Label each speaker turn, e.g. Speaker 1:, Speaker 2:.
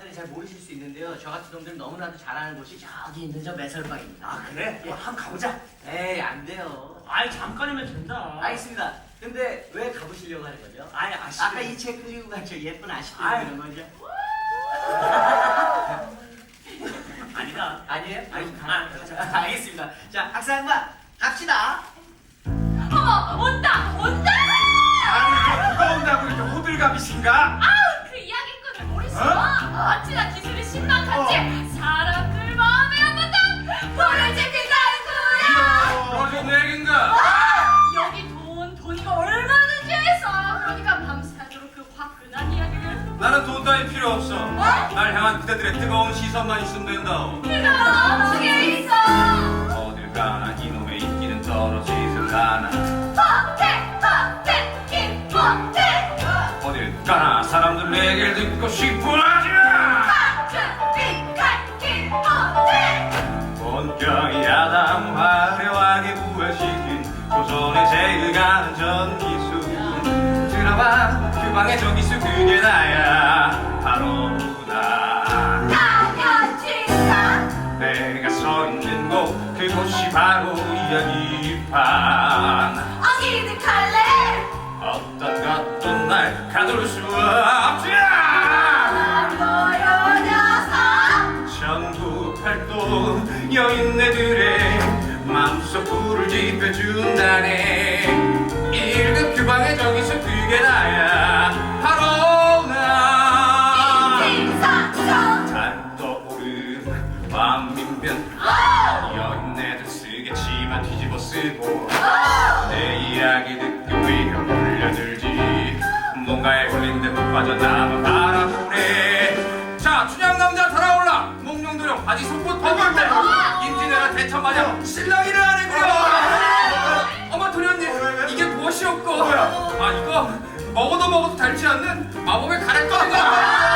Speaker 1: 사람들이 잘 모르실 수 있는데요. 저 같은 놈들 너무나도 잘하는 곳이 저기 있는 저 매설방입니다.
Speaker 2: 아 그래?
Speaker 1: 예.
Speaker 2: 한번 가보자.
Speaker 1: 에이, 안 돼요.
Speaker 3: 아이 잠깐이면 된다.
Speaker 1: 알겠습니다. 근데 왜 가보시려고 하는 거죠?
Speaker 3: 아이 아시죠?
Speaker 1: 아까 이 책 그리고 간 저 예쁜 아시도
Speaker 3: 아이.
Speaker 1: 있는 거죠?
Speaker 3: 아니다.
Speaker 1: 아니에요?
Speaker 3: 아니,
Speaker 1: 가자. 알겠습니다. 자, 학생반 갑시다.
Speaker 4: 어머, 온다, 온다!
Speaker 2: 아니 누가 온다고 이렇게 호들갑이신가?
Speaker 4: 아우, 그 이야기꾼을 모르시고 어찌나 기술이 신박한지 사람들 마음에 한번도 불을 지핀다는 거야!
Speaker 2: 너좀 얘긴가?
Speaker 4: 여기 돈이가 얼마든지 있어. 그러니까 밤새도록 그 화끈한 이야기를.
Speaker 2: 나는 돈 따위 필요 없어. 날 향한 그대들의 뜨거운 시선만 있으면 된다오.
Speaker 4: 그럼 어떻게 있어?
Speaker 2: 어딜 가나 이놈의 인기는 떨어지질 않아.
Speaker 4: 헛해, 김헛해.
Speaker 2: 어딜 가나 사람들 내 얘기를 듣고 싶어 하지.
Speaker 4: 빅한 김헛해.
Speaker 2: 본격이 야담 화려하게 부활시킨 조선의 제일 가는 전기수. 들어봐 그 방의 전기수 그게 나야. 바로 나.
Speaker 4: 당연지사.
Speaker 2: 내가 서 있는 곳 그곳이 바로 이야기판.
Speaker 4: 어기득할래?
Speaker 2: 어떤 것도 날 가둘 수 없지.
Speaker 4: 뭐요 녀석?
Speaker 2: 전국팔도 여인네들의 마음속 불을 지펴준다네. 1급 규방의 정의수 그게 나야. 바로 나.
Speaker 4: 인생사정.
Speaker 2: 달 떠오른 밤민변. 여인네들 쓰겠지만 뒤집어 쓰고 내 이야기 듣고 위로 몰려들지. 뭔가에 걸린 듯 빠져나만 바라보네. 자, 춘향 남자 달아올라. 목룡도령 바지 속옷 벗을 때 임진왜란 대천마냥 신랑이를 아니고요. 어머 도련님, 이게 무엇이었고? 아 이거 먹어도 닳지 않는 마법의 가래떡인가?